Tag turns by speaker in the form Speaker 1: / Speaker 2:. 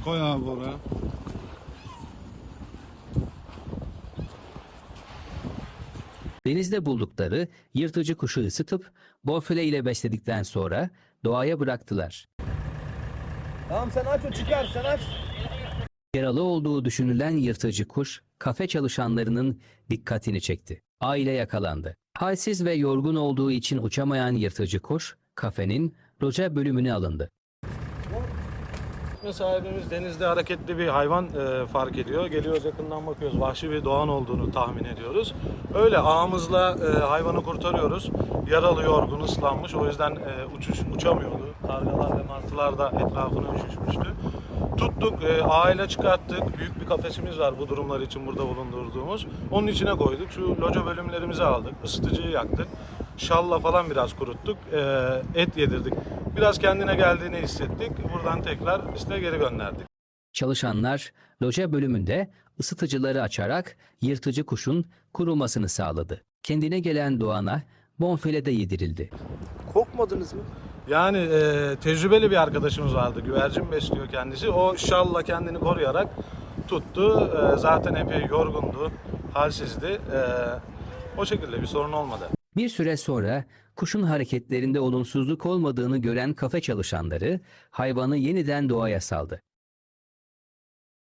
Speaker 1: Koy abi oraya.
Speaker 2: Denizde buldukları yırtıcı kuşu ısıtıp bonfile ile besledikten sonra doğaya bıraktılar.
Speaker 3: Tamam sen aç, o çıkar, sen aç.
Speaker 2: Yaralı olduğu düşünülen yırtıcı kuş kafe çalışanlarının dikkatini çekti. Aile yakalandı. Halsiz ve yorgun olduğu için uçamayan yırtıcı kuş kafenin loca bölümüne alındı.
Speaker 1: Sahibimiz denizde hareketli bir hayvan fark ediyor. Geliyoruz, yakından bakıyoruz. Vahşi bir doğan olduğunu tahmin ediyoruz. Öyle ağımızla hayvanı kurtarıyoruz. Yaralı, yorgun, ıslanmış. O yüzden uçamıyordu. Kargalar ve martılar da etrafına üşüşmüştü. Tuttuk, ağıyla çıkarttık. Büyük bir kafesimiz var bu durumlar için burada bulundurduğumuz. Onun içine koyduk. Şu loca bölümlerimizi aldık. Isıtıcıyı yaktık. Şalla falan biraz kuruttuk. Et yedirdik. Biraz kendine geldiğini hissettik. Buradan tekrar işte geri gönderdik.
Speaker 2: Çalışanlar loca bölümünde ısıtıcıları açarak yırtıcı kuşun kurumasını sağladı. Kendine gelen doğana bonfile de yedirildi.
Speaker 3: Korkmadınız mı?
Speaker 1: Yani tecrübeli bir arkadaşımız vardı. Güvercin besliyor kendisi. O şalla kendini koruyarak tuttu. Zaten epey yorgundu, halsizdi. O şekilde bir sorun olmadı.
Speaker 2: Bir süre sonra kuşun hareketlerinde olumsuzluk olmadığını gören kafe çalışanları hayvanı yeniden doğaya saldı.